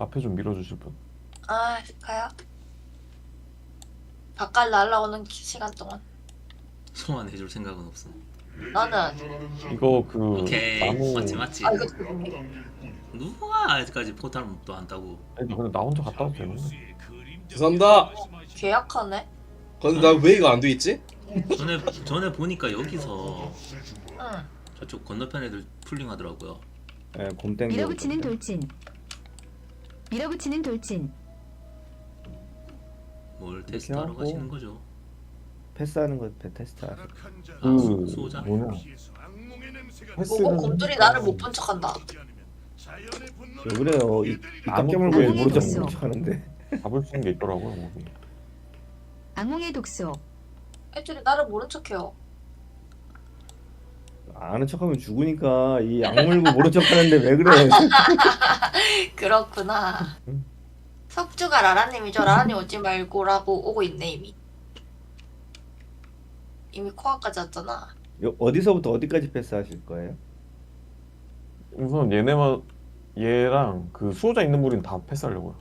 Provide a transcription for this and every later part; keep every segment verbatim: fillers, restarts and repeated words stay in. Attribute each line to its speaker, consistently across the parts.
Speaker 1: 앞에 좀 밀어주실 분?
Speaker 2: 아, 가요? 바깥 날라오는 기- 시간 동안.
Speaker 3: 소환해줄 생각은 없음.
Speaker 2: 나는,
Speaker 1: 이거 그
Speaker 3: 오케이, 맞지
Speaker 1: 나무.
Speaker 3: 맞지.
Speaker 2: 아, 이거 재밌네.
Speaker 3: 누가 아직까지 포탈도 안 따고.
Speaker 1: 아니 근데 나 혼자 갔다 와도 되는데.
Speaker 4: 죄송합니다.
Speaker 2: 계약하네?
Speaker 4: 근데 나 왜 이거 안 돼 있지?
Speaker 3: 전에 전에 보니까 여기서
Speaker 2: 응.
Speaker 3: 저쪽 건너편 애들 풀링하더라고요.
Speaker 5: 예, 곰 땡겨.
Speaker 6: 밀어붙이는 돌진. 밀어붙이는 돌진.
Speaker 3: 뭘 테스트하러
Speaker 5: 하고.
Speaker 3: 가시는 거죠?
Speaker 5: 패스하는 거 배- 테스트 하세요.
Speaker 3: 아, 수-
Speaker 1: 그
Speaker 3: 수호자?
Speaker 1: 뭐냐?
Speaker 2: 보고
Speaker 1: 패스는
Speaker 2: 곰돌이 나를 못 본 척한다.
Speaker 5: 왜 그래요? 이, 이
Speaker 1: 아무
Speaker 5: 깎여물고 왜
Speaker 6: 아무것도
Speaker 5: 모르죠?
Speaker 6: 없어.
Speaker 5: 모르죠 하는데.
Speaker 1: 잡을 수 있는 게 있더라고요 거기.
Speaker 6: 악몽의 독소.
Speaker 2: 애들이 나를 모른 척해요.
Speaker 5: 아는 척하면 죽으니까 이 악물고 모른 척하는데 왜 그래?
Speaker 2: 그렇구나.
Speaker 5: 응.
Speaker 2: 석주가 라라님이죠. 라라님 오지 말고라고 오고 있네 이미. 이미 코앞까지 왔잖아.
Speaker 5: 요- 어디서부터 어디까지 패스하실 거예요?
Speaker 1: 우선 얘네만 얘랑 그 수호자 있는 무리는 다 패스하려고요.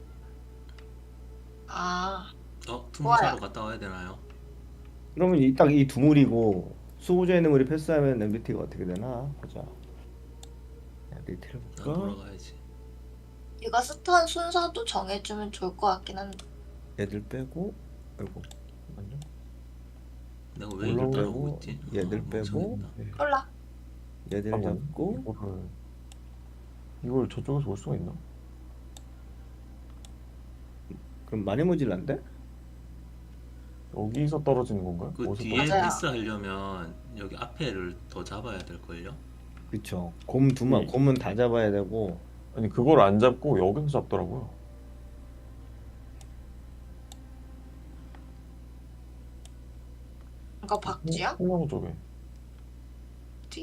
Speaker 2: 아,
Speaker 3: 어,
Speaker 2: 좋아요.
Speaker 3: 투무사로 갔다 와야 되나요?
Speaker 5: 그러면 이 딱 이 두 물이고 수호자 있는 물이 패스하면 엠비티가 어떻게 되나 보자. 엠비티를
Speaker 3: 나
Speaker 5: 볼까?
Speaker 3: 돌아가야지.
Speaker 2: 이거 스턴 순서도 정해주면 좋을 것 같긴 한데.
Speaker 5: 얘들 빼고, 아이고,
Speaker 1: 잠깐만요.
Speaker 3: 내가 왜 이걸
Speaker 1: 올라오고
Speaker 3: 따라오고 있지?
Speaker 5: 얘들
Speaker 3: 아,
Speaker 5: 빼고.
Speaker 3: 멍청했나?
Speaker 1: 네.
Speaker 2: 몰라.
Speaker 5: 얘들
Speaker 1: 잠깐만요.
Speaker 5: 잡고.
Speaker 1: 이거를 이걸 저쪽에서 올 수가 있나?
Speaker 5: 그럼 많이 모질란데?
Speaker 1: 여기서 떨어지는 건가요?
Speaker 3: 그
Speaker 1: 어디서
Speaker 3: 뒤에
Speaker 1: 떨어지-
Speaker 2: 맞아요.
Speaker 3: 패스 하려면 여기 앞에를 더 잡아야 될 걸요?
Speaker 5: 그쵸. 곰 두 마,
Speaker 1: 네.
Speaker 5: 곰은 다 잡아야 되고.
Speaker 1: 아니 그걸 안 잡고 여기서 잡더라고요.
Speaker 2: 이거 박쥐야?
Speaker 1: 콩나무 쪽에.
Speaker 2: 뒤?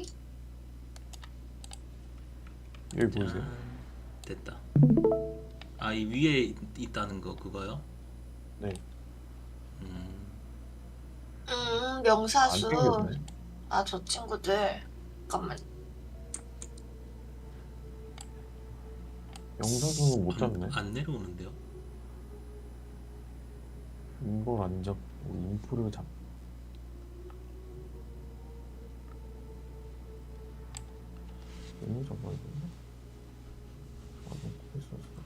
Speaker 1: 여기 보이세요?
Speaker 3: 짠. 됐다. 아, 이 위에 있- 있다는 거 그거요?
Speaker 1: 네.
Speaker 3: 음,
Speaker 2: 음,
Speaker 1: 안
Speaker 2: 명사수.
Speaker 1: 땡겼네.
Speaker 2: 아, 저 친구들. 잠깐만.
Speaker 1: 영사수는 못 잡네.
Speaker 3: 안, 안 내려오는데요?
Speaker 1: 이걸 안 잡고 인프를 잡. 얘는 잡아야 되나? 아, 너무 패스했어.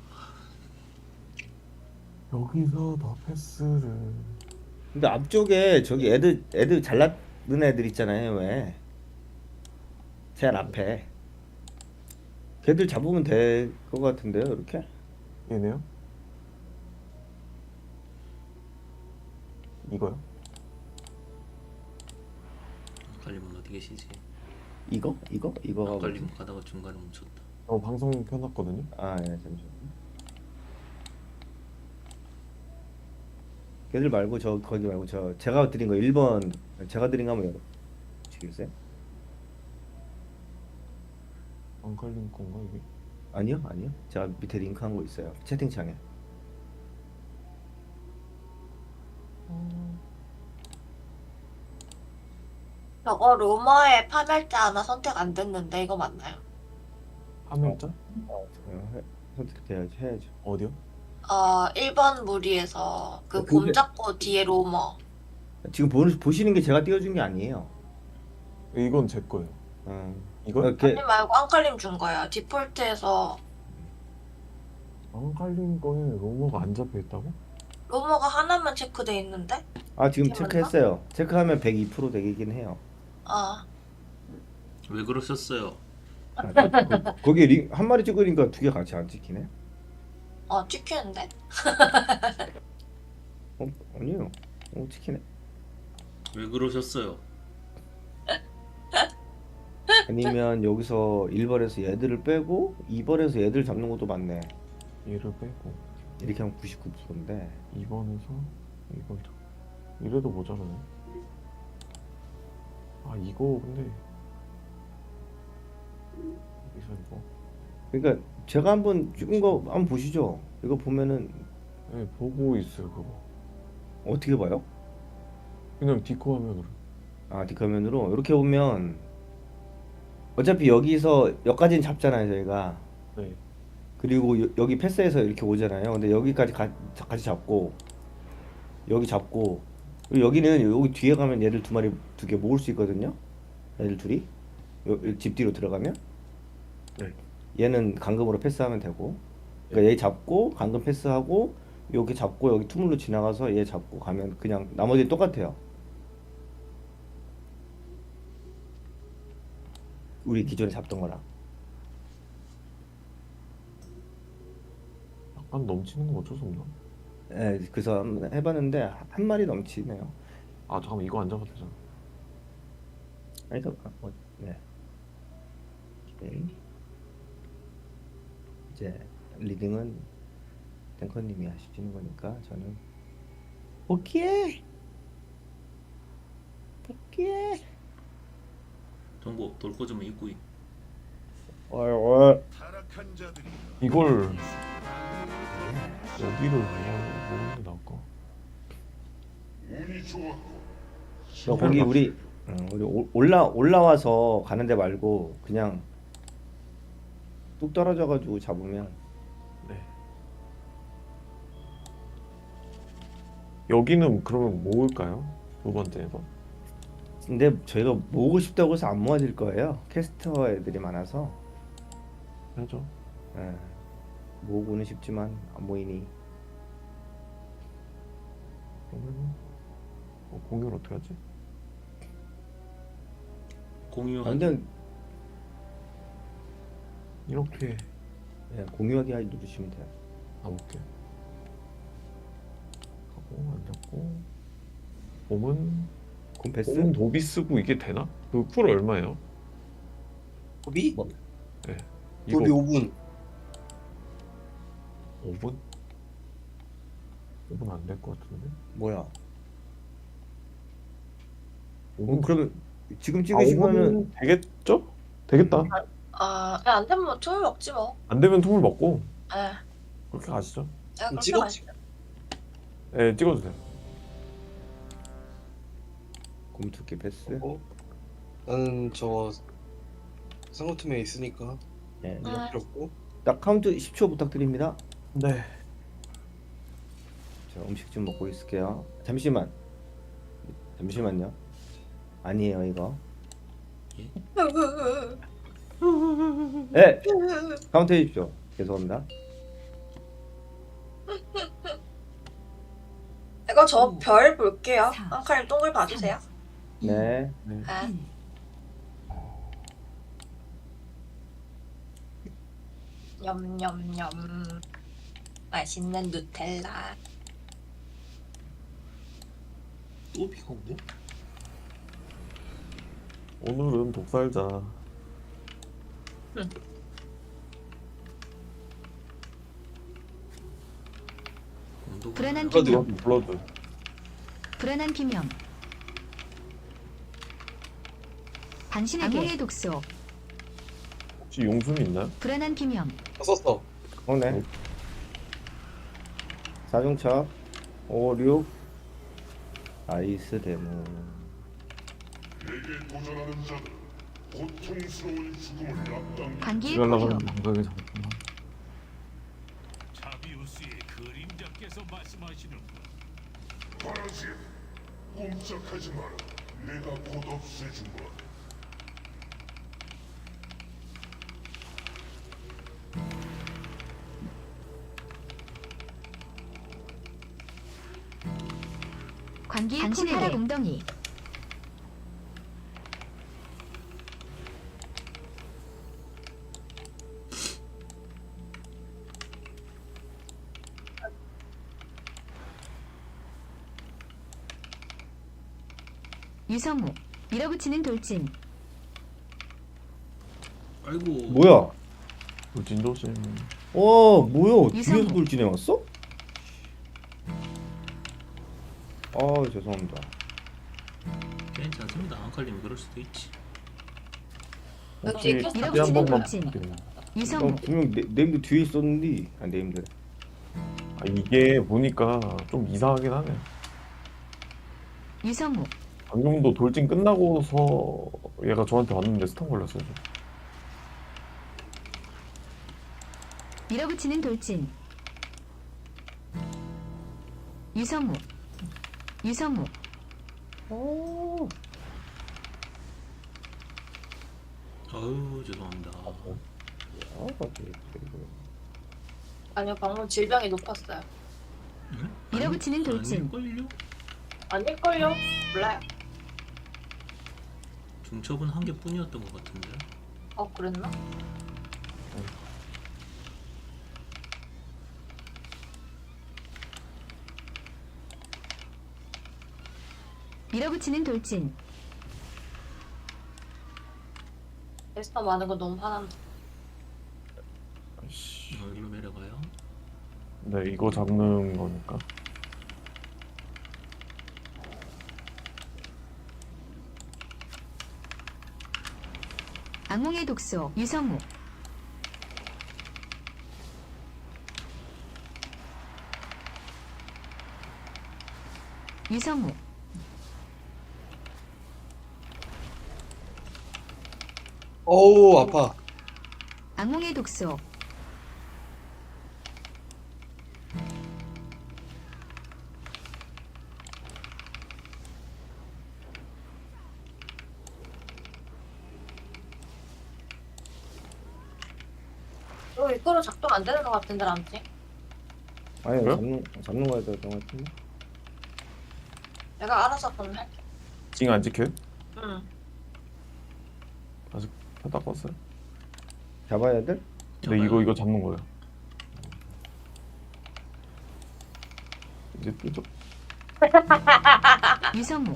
Speaker 1: 여기서 더 패스를.
Speaker 5: 근데 앞쪽에 저기 애들 애들 잘났는 애들 있잖아요. 왜? 제일 앞에. 걔들 잡으면 될 것 같은데요, 이렇게?
Speaker 1: 얘네요? 이거요?
Speaker 3: 아칼림은 어디 계시지?
Speaker 5: 이거? 이거? 이거가 뭐지?
Speaker 3: 아칼림 가다가 중간에 멈췄다.
Speaker 1: 저 방송 켜놨거든요.
Speaker 5: 아, 예, 잠시만요. 걔들 말고 저 거기 말고 저 제가 드린 거 일 번 제가 드린 거 한번 열어 주시겠어요?
Speaker 1: 안 걸린 건가 이게?
Speaker 5: 아니요, 아니요. 제가 밑에 링크 한 거 있어요. 채팅창에.
Speaker 2: 저거 로머의 파멸자 하나 선택 안 됐는데 이거 맞나요?
Speaker 1: 화면자?
Speaker 5: 어, 해- 선택해야지, 해야죠.
Speaker 1: 어디요?
Speaker 2: 어, 일 번 무리에서 그
Speaker 5: 어,
Speaker 2: 곰
Speaker 5: 그게-
Speaker 2: 잡고 뒤에 로머.
Speaker 5: 지금 보, 보시는 게 제가 띄워준 게 아니에요.
Speaker 1: 이건 제 거예요.
Speaker 5: 음.
Speaker 1: 이거?
Speaker 5: 이렇게
Speaker 2: 아니 말고 앙칼림 준 거야. 디폴트에서
Speaker 1: 안 걸린 거에 로고가 안 잡혀 있다고?
Speaker 2: 로머가 하나만 체크돼 있는데?
Speaker 5: 아 지금
Speaker 2: 이게 맞나?
Speaker 5: 체크했어요. 체크하면 백이 퍼센트 되긴 해요.
Speaker 2: 아,
Speaker 3: 왜 그러셨어요?
Speaker 5: 아, 그, 거기 링, 한 마리 찍으니까 두 개 같이 안 찍히네?
Speaker 2: 어 찍히는데?
Speaker 5: 어 아니에요. 어 찍히네.
Speaker 3: 왜 그러셨어요?
Speaker 5: 아니면 여기서 일 번에서 얘들을 빼고 이 번에서 얘들 잡는 것도 맞네.
Speaker 1: 얘를 빼고
Speaker 5: 이렇게 하면 구십구 퍼센트인데
Speaker 1: 이 번에서 이걸 잡. 이래도 모자라네. 아 이거 근데 여기서 이거.
Speaker 5: 그러니까 제가 한번 찍은 거 한번 보시죠. 이거 보면은
Speaker 1: 네 보고 있어요 그거.
Speaker 5: 어떻게 봐요?
Speaker 1: 그냥 디코 화면으로.
Speaker 5: 아 뒷화면으로 이렇게 보면 어차피 여기서 여기까지는 잡잖아요 저희가.
Speaker 1: 네.
Speaker 5: 그리고 여, 여기 패스해서 이렇게 오잖아요. 근데 여기까지 가, 같이 잡고 여기 잡고 그리고 여기는 여기 뒤에 가면 얘들 두 마리 두 개 모을 수 있거든요. 얘들 둘이 요, 요집 뒤로 들어가면
Speaker 1: 네.
Speaker 5: 얘는 감금으로 패스하면 되고 그러니까 얘 잡고 감금 패스하고 여기 잡고 여기 투물로 지나가서 얘 잡고 가면 그냥 나머지 똑같아요. 우리 기존에 잡던 거랑.
Speaker 1: 약간 넘치는 건 어쩔 수 없나?
Speaker 5: 예, 그래서 한번 해봤는데 한 마리 넘치네요.
Speaker 1: 아 잠깐만 이거 안 잡아도 되잖아.
Speaker 5: 아니 그 뭐, 네. 오케이. 이제 리딩은 탱커님이 하시는 거니까 저는 오케이 오케이
Speaker 3: 정보 돌고 좀 입고 있-
Speaker 5: 어어
Speaker 1: 이걸 여기를 모으는 게 나을까?
Speaker 5: 거기 우리 어, 우리 올- 올라 올라와서 가는데 말고 그냥 뚝 떨어져가지고 잡으면
Speaker 1: 네. 여기는 그러면 모을까요? 두 번째에서?
Speaker 5: 근데 저희가 모으고 싶다고 해서 안 모아질 거예요. 캐스터 애들이 많아서
Speaker 1: 해야죠.
Speaker 5: 예, 모으고는 싶지만 안 모이니
Speaker 1: 그러면 어, 공유를 어떻게 하지?
Speaker 3: 공유.
Speaker 5: 완전
Speaker 1: 이렇게
Speaker 5: 예, 공유하기 하기 누르시면 돼요.
Speaker 1: 가볼게. 하고 안 잡고 봄은
Speaker 5: 콤패스
Speaker 1: 봄은 도비 쓰고 이게 되나? 그 쿨 얼마예요?
Speaker 4: 도비?
Speaker 5: 뭐?
Speaker 1: 네. 이거
Speaker 4: 도비 오 분.
Speaker 1: 오 분? 오 분 안 될 것 같은데?
Speaker 5: 뭐야?
Speaker 1: 오
Speaker 5: 어,
Speaker 1: 분
Speaker 5: 그러면 지금
Speaker 1: 아,
Speaker 5: 찍으시면은
Speaker 1: 오 분은 되겠죠? 되겠다.
Speaker 2: 아, 야, 안 되면 뭐 투물 먹지 뭐.
Speaker 1: 안 되면 투물 먹고
Speaker 2: 예.
Speaker 1: 그렇게 가시죠.
Speaker 2: 야, 그렇게
Speaker 4: 찍어?
Speaker 2: 가시죠.
Speaker 1: 네, 찍어주세요.
Speaker 5: 곰투기 패스.
Speaker 4: 어? 나는 저 상호팀에 있으니까
Speaker 5: 예.
Speaker 2: 아.
Speaker 4: 필요 없고.
Speaker 5: 딱 카운트 십 초 부탁드립니다.
Speaker 1: 네.
Speaker 5: 저 음식 좀 먹고 있을게요. 잠시만. 잠시만요. 아니에요 이거. 예. 카운트 해주십시오. 죄송합니다.
Speaker 2: 이거 저 별 볼게요.
Speaker 6: 사,
Speaker 2: 앙카님 동글 봐주세요.
Speaker 5: 네.
Speaker 1: 네.
Speaker 2: 아. 냠냠냠. 맛있는 누텔라.
Speaker 3: 또 비가 오네.
Speaker 1: 오늘은 독살자.
Speaker 3: 온도가
Speaker 6: 불안한
Speaker 4: 블러드.
Speaker 6: 비명,
Speaker 1: 블러드.
Speaker 6: 불안한 비명. 당신에게 악몽의 독소,
Speaker 1: 혹시 용숨이 있나요?
Speaker 6: 불안한 비명.
Speaker 4: 어, 썼어.
Speaker 5: 오네. 사중차 오, 육 아이스 데모.
Speaker 6: 관계의
Speaker 1: 이러려고
Speaker 6: 포효,
Speaker 1: 생각이 잡았구나.
Speaker 7: 자비우스의 그림자께서 말씀하시는군. 파란색, 꼼짝하지 마라. 내가 곧 없애주마.
Speaker 6: 관계의 당신에게 공덩이. 유성우, 밀어붙이는 돌진.
Speaker 3: 아이고.
Speaker 5: 뭐야?
Speaker 1: 그 진도심.
Speaker 5: 어, 뭐야?
Speaker 6: 유성우.
Speaker 5: 뒤에서 돌진해 왔어? 아, 죄송합니다.
Speaker 3: 괜찮습니다. 앙칼님이 그럴 수도 있지.
Speaker 1: 혹시
Speaker 2: 이렇게
Speaker 1: 다시 한
Speaker 6: 밀어붙이는
Speaker 1: 번만
Speaker 6: 돌진.
Speaker 1: 부탁드려요.
Speaker 6: 유성우,
Speaker 5: 어, 분명 네, 네임드 뒤에 있었는데 아, 네임드.
Speaker 1: 아, 이게 보니까 좀 이상하긴 하네.
Speaker 6: 유성우,
Speaker 1: 방금도 돌진 끝나고서 얘가 저한테 왔는데 스턴 걸렸어요. 저.
Speaker 6: 밀어붙이는 돌진. 유성우. 유성우.
Speaker 5: 오.
Speaker 3: 어우 죄송합니다.
Speaker 5: 아, 맞지.
Speaker 2: 아니요, 방금 질병이 높았어요.
Speaker 3: 응?
Speaker 6: 밀어붙이는 돌진.
Speaker 3: 아닐걸요?
Speaker 2: 아닐걸요? 몰라요.
Speaker 3: 중첩은 한 개뿐이었던 것 같은데.
Speaker 2: 어, 그랬나?
Speaker 6: 밀어붙이는 돌진.
Speaker 2: 에스터 많은 거 너무 화난다.
Speaker 1: 아이씨.
Speaker 3: 어, 여기로 내려가요.
Speaker 1: 네, 이거 잡는 거니까.
Speaker 6: 악몽의 독소. 유성우. 유성우.
Speaker 4: 어우 아파.
Speaker 6: 악몽의 독소.
Speaker 2: 이거 이거로 작동 안 되는 것 같은데, 람지?
Speaker 5: 아니
Speaker 1: 그래요?
Speaker 5: 잡는 잡는 거야 될것 같은데.
Speaker 2: 내가 알아서 그럼 할게.
Speaker 1: 징 안 지켜요?
Speaker 2: 응.
Speaker 1: 아직 다 껐어요?
Speaker 5: 잡아야 돼?
Speaker 1: 네, 이거 이거 잡는 거예요. 이제 뜨죠?
Speaker 6: 유성우.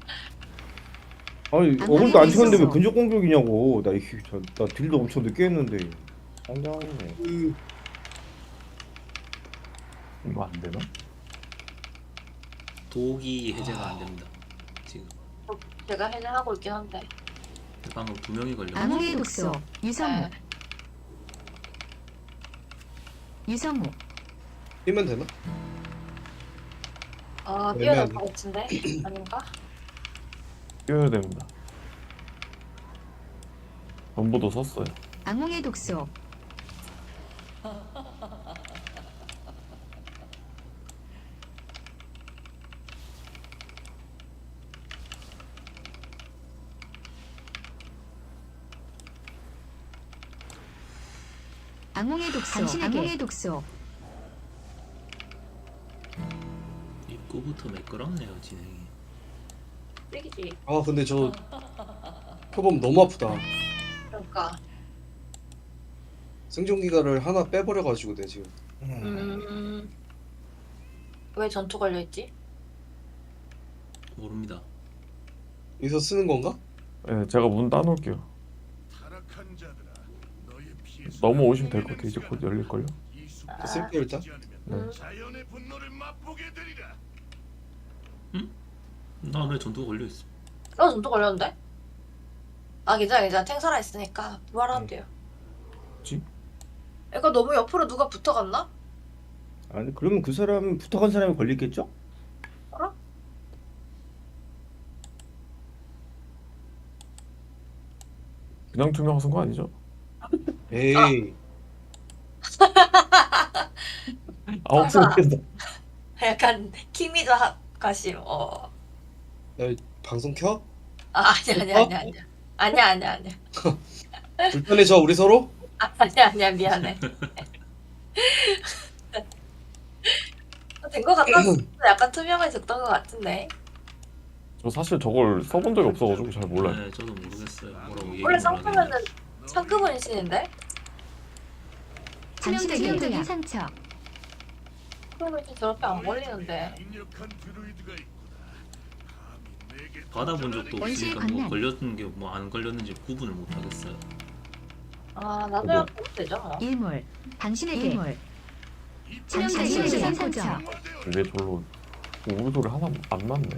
Speaker 5: 아니
Speaker 6: 안
Speaker 5: 어글도 안
Speaker 6: 하게
Speaker 5: 치는데 왜
Speaker 6: 있었어.
Speaker 5: 근접 공격이냐고. 나 이게 저- 나 딜도 엄청 늦게 했는데. 상당하네.
Speaker 4: 으,
Speaker 1: 이거 안 되나?
Speaker 3: 독이 해제가 안 됩니다. 지금
Speaker 2: 제가 해제하고 있긴 한데.
Speaker 3: 방금 두 명이 걸려.
Speaker 6: 악몽의 독소. 유성우.
Speaker 2: 네.
Speaker 6: 유성우.
Speaker 4: 뛰면 되나?
Speaker 2: 아, 뛰어날
Speaker 4: 애매하네.
Speaker 2: 것 같은데? 아닌가?
Speaker 1: 뛰어야 됩니다. 전부도 썼어요.
Speaker 6: 악몽의 독소. 악몽의 독소. 악몽의 독소.
Speaker 3: 입구부터 매끄럽네요 진행이.
Speaker 2: 뛰기지.
Speaker 4: 아 근데 저 표범 너무 아프다.
Speaker 2: 그러니까.
Speaker 4: 생존기가를 하나 빼버려가지고 내 지금.
Speaker 2: 음. 왜 전투 걸려있지?
Speaker 3: 모릅니다.
Speaker 4: 여기서 쓰는 건가?
Speaker 1: 네, 제가 문 따놓을게요.
Speaker 7: 타락한 자들아, 너의 피해
Speaker 1: 넘어오시면 될 것 같아요. 이제 곧 열릴걸요?
Speaker 7: 이 숲-
Speaker 4: 저 쓸게요 일단.
Speaker 1: 네.
Speaker 7: 자연의 분노를 맛보게 되리라.
Speaker 3: 나 왜 전투가 걸려 있어?
Speaker 2: 어, 전투 걸렸는데? 아, 괜찮아, 괜찮아. 탱 살아있으니까 부활하면 돼요.
Speaker 1: 뭐지?
Speaker 2: 이거 너무 옆으로 누가 붙어갔나?
Speaker 5: 아니 그러면 그 사람 붙어간 사람이 걸리겠죠?
Speaker 2: 알아?
Speaker 1: 그냥 투명 쓴 거 아니죠?
Speaker 4: 에이.
Speaker 1: 아홉 시겠다.
Speaker 2: 약간 키미도 하, 가심. 어.
Speaker 4: 야, 방송 켜?
Speaker 2: 아, 아니야, 아니야, 아니야, 아니야. 아니야, 아니야, 아니야.
Speaker 4: 불편해져 우리 서로?
Speaker 2: 아, 아니야, 아니야, 미안해. 된 거 같았어. 약간 투명해졌던 것 같은데.
Speaker 1: 저 사실 저걸 써본 적이 없어가지고 잘 몰라요.
Speaker 3: 네, 저도 모르겠어요. 뭐라고 얘기
Speaker 2: 원래
Speaker 3: 못
Speaker 2: 상품에는
Speaker 3: 하겠네.
Speaker 2: 상급 원신인데?
Speaker 6: 치명적인 상처.
Speaker 2: 상급 원신 저렇게 안 걸리는데.
Speaker 7: 강력한 드루이드가 있구나. 감히 내게
Speaker 3: 받아본 적도
Speaker 6: 원시의
Speaker 3: 없으니까 뭐
Speaker 6: 관난.
Speaker 3: 걸렸는 게 뭐 안 걸렸는지 구분을 못 하겠어요.
Speaker 2: 아, 나도
Speaker 1: 뭐.
Speaker 2: 약간 보면 되죠, 뭐.
Speaker 6: 일몰. 당신에게 일몰.
Speaker 7: 당신에게
Speaker 6: 치명적인 상처.
Speaker 1: 왜 절로 우리 소리 하나 안 맞네.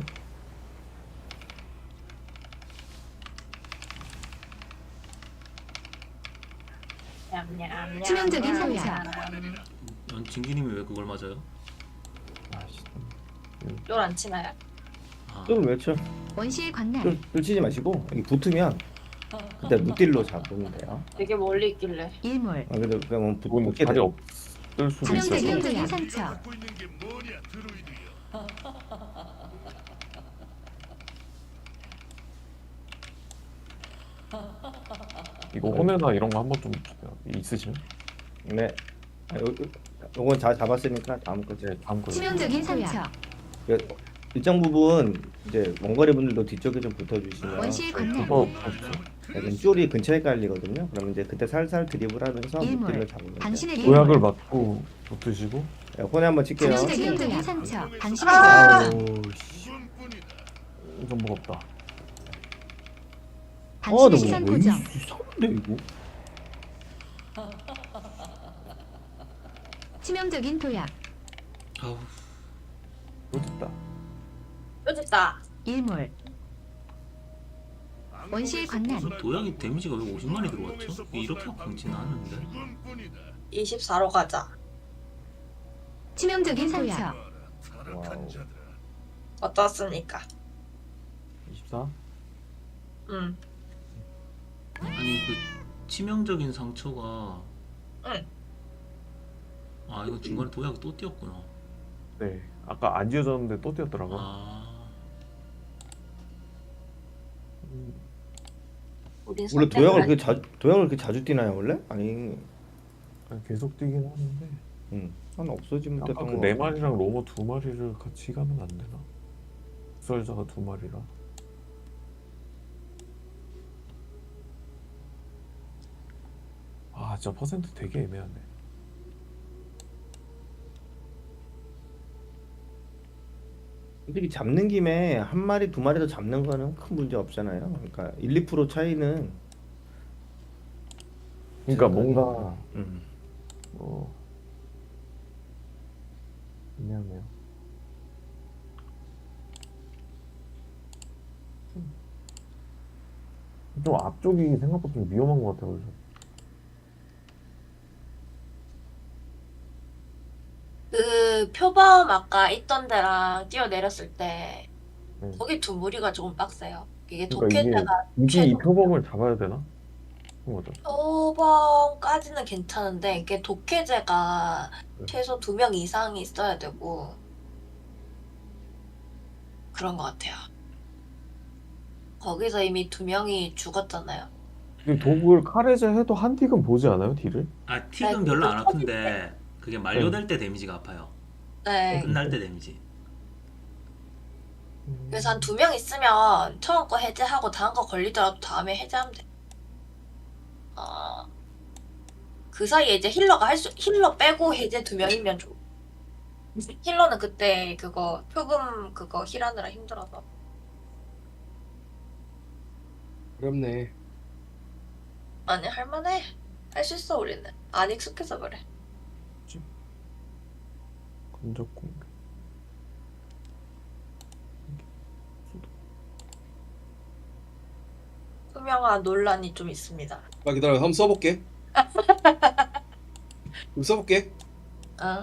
Speaker 2: 냠냠냠.
Speaker 6: 치명적인 상처.
Speaker 3: 어, 진기님이 왜 그걸 맞아요?
Speaker 1: 아씨.
Speaker 2: 쫄안 치나요?
Speaker 3: 아,
Speaker 5: 쫄을 왜 쳐?
Speaker 6: 원시의 관날.
Speaker 5: 쫄, 쫄 치지 마시고 여기 붙으면 그때 무딜로 잡으면 돼요.
Speaker 2: 되게 멀리 있길래.
Speaker 6: 일몰.
Speaker 5: 아, 근데 그냥 뭐
Speaker 1: 이건
Speaker 5: 붙게
Speaker 1: 자리
Speaker 5: 돼.
Speaker 1: 없을 수도 있어서.
Speaker 6: 치명적인 도약 상처.
Speaker 7: 갖고 있는 게 뭐냐, 드루이드여.
Speaker 1: 이거 혼내나 이런 거 한번 좀 있으시면?
Speaker 5: 네. 아, 요, 요- 요건 잘 잡았으니까 다음 거.
Speaker 1: 네, 다음 거.
Speaker 6: 치명적인 상처.
Speaker 5: 그 일정 부분 이제 원거리 분들도 뒤쪽에 좀 붙어주시면
Speaker 6: 원시의 관문.
Speaker 1: 이거
Speaker 5: 약간 쫄이 근처에 깔리거든요. 그러면 이제 그때 살살 드리블하면서
Speaker 6: 일몰.
Speaker 5: 무딜로 잡으면 돼요.
Speaker 6: 당신의
Speaker 1: 도약을
Speaker 6: 일몰.
Speaker 1: 맞고 붙으시고.
Speaker 5: 네, 혼에 한번 칠게요.
Speaker 6: 치명적인 도약 상처. 당신의
Speaker 2: 아!
Speaker 6: 일몰.
Speaker 5: 아우, 씨.
Speaker 7: 그뿐이다.
Speaker 1: 좀 무겁다.
Speaker 5: 아,
Speaker 6: 당신의
Speaker 5: 너무
Speaker 6: 시선
Speaker 5: 왜
Speaker 6: 고정.
Speaker 5: 이상한데 이거?
Speaker 6: 치명적인 도약.
Speaker 3: 아우
Speaker 1: 이거 됐다.
Speaker 2: 또 됐다.
Speaker 6: 일몰. 원시의 관난.
Speaker 3: 도약이 데미지가 왜 오십만이 들어왔죠? 이렇게 아픈지는 않은데.
Speaker 7: 그뿐이다.
Speaker 2: 이십사로 가자.
Speaker 6: 치명적인 상처.
Speaker 1: 와우.
Speaker 7: 타락한 자들아.
Speaker 2: 어떻습니까?
Speaker 1: 이십사?
Speaker 2: 응.
Speaker 3: 아니 그 치명적인 상처가.
Speaker 2: 응.
Speaker 3: 아 이거 중간에 도약이 또 뛰었구나.
Speaker 1: 네. 아까 안 지어졌는데 또 뛰었더라고.
Speaker 3: 아
Speaker 1: 음,
Speaker 2: 우린
Speaker 5: 원래
Speaker 2: 선택을
Speaker 5: 도약을
Speaker 2: 할-
Speaker 5: 그렇게 자 도약을 그렇게 자주 뛰나요 원래? 아니,
Speaker 1: 그냥 계속 뛰긴 하는데.
Speaker 5: 음, 한 없어지면
Speaker 1: 아까
Speaker 5: 됐던
Speaker 1: 그
Speaker 5: 거.
Speaker 1: 네 마리랑 로머 두 마리를 같이 가면 안 되나? 수혈자가 두 마리라. 아, 진짜 퍼센트 되게 애매하네.
Speaker 5: 솔직히 잡는 김에 한 마리 두 마리 더 잡는 거는 큰 문제 없잖아요. 그러니까 일, 이 퍼센트 차이는
Speaker 1: 그러니까 뭔가
Speaker 5: 음.
Speaker 1: 어 애매하네요. 좀 앞쪽이 생각보다 좀 위험한 것 같아요. 그래서.
Speaker 2: 그 표범 아까 있던 데랑 뛰어내렸을 때
Speaker 1: 네.
Speaker 2: 거기 두 무리가 조금 빡세요. 이게
Speaker 1: 그러니까 이게
Speaker 2: 도캐자가
Speaker 1: 굳이 이
Speaker 2: 최소-
Speaker 1: 표범을 잡아야 되나? 그런 거죠.
Speaker 2: 표범까지는 괜찮은데 이게 독해제가
Speaker 1: 네.
Speaker 2: 최소 두 명 이상이 있어야 되고 그런 것 같아요. 거기서 이미 두 명이 죽었잖아요.
Speaker 1: 근데 독을 카레제 해도 한 틱은 보지 않아요, 딜을?
Speaker 3: 아 틱은
Speaker 2: 네,
Speaker 3: 별로 안
Speaker 2: 그거
Speaker 3: 아픈데 그게 만료될 때 데미지가 아파요.
Speaker 2: 네.
Speaker 3: 끝날 때 데미지.
Speaker 2: 그래서 한 두 명 있으면 처음 거 해제하고 다음 거 걸리더라도 다음에 해제하면 돼. 어, 그 사이에 이제 힐러가 할 수, 힐러 빼고 해제 두 명이면 좋. 힐러는 그때 그거 표금 그거 힐하느라 힘들어서.
Speaker 4: 어렵네.
Speaker 2: 아니 할만해. 할 수 있어 우리는. 안 익숙해서 그래.
Speaker 1: 근접 공격.
Speaker 2: 투명한 논란이 좀 있습니다.
Speaker 4: 아 기다려, 한번 써볼게. 그럼 써볼게.
Speaker 2: 어?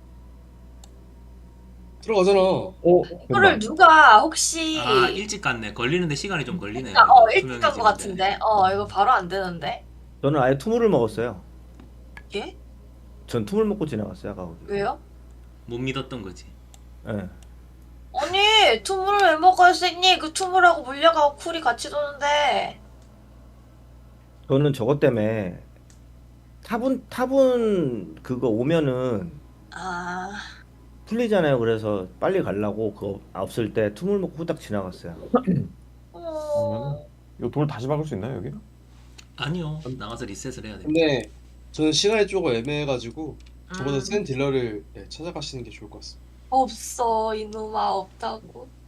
Speaker 4: 들어가잖아.
Speaker 1: 어,
Speaker 2: 이거를 누가 혹시
Speaker 3: 아 일찍 갔네. 걸리는데 시간이 좀 걸리네요.
Speaker 2: 아, 어
Speaker 3: 이거
Speaker 2: 일찍 간 것
Speaker 3: 투명해지는데.
Speaker 2: 같은데. 어 이거 바로 안 되는데.
Speaker 5: 저는 아예 투물을 먹었어요.
Speaker 2: 예?
Speaker 5: 전 투물 먹고 지나갔어요 아까 거기.
Speaker 2: 왜요?
Speaker 3: 못 믿었던 거지.
Speaker 5: 예.
Speaker 2: 아니 투물을 왜 먹을 수 있니? 그 투물하고 물려가고 쿨이 같이 도는데.
Speaker 5: 저는 저것 때문에 타분 타분 그거 오면은
Speaker 2: 아
Speaker 5: 풀리잖아요. 그래서 빨리 가려고 그거 없을 때 투물 먹고 후딱 지나갔어요.
Speaker 2: 어...
Speaker 1: 이거 돌 다시 박을 수 있나요, 여기?
Speaker 3: 아니요. 나가서 리셋을 해야 돼.
Speaker 4: 근데 저는 시간이 조금 애매해가지고 저보다
Speaker 2: 음,
Speaker 4: 센 딜러를 네, 찾아가시는 게 좋을 것 같습니다.
Speaker 2: 없어 이놈아 없다고.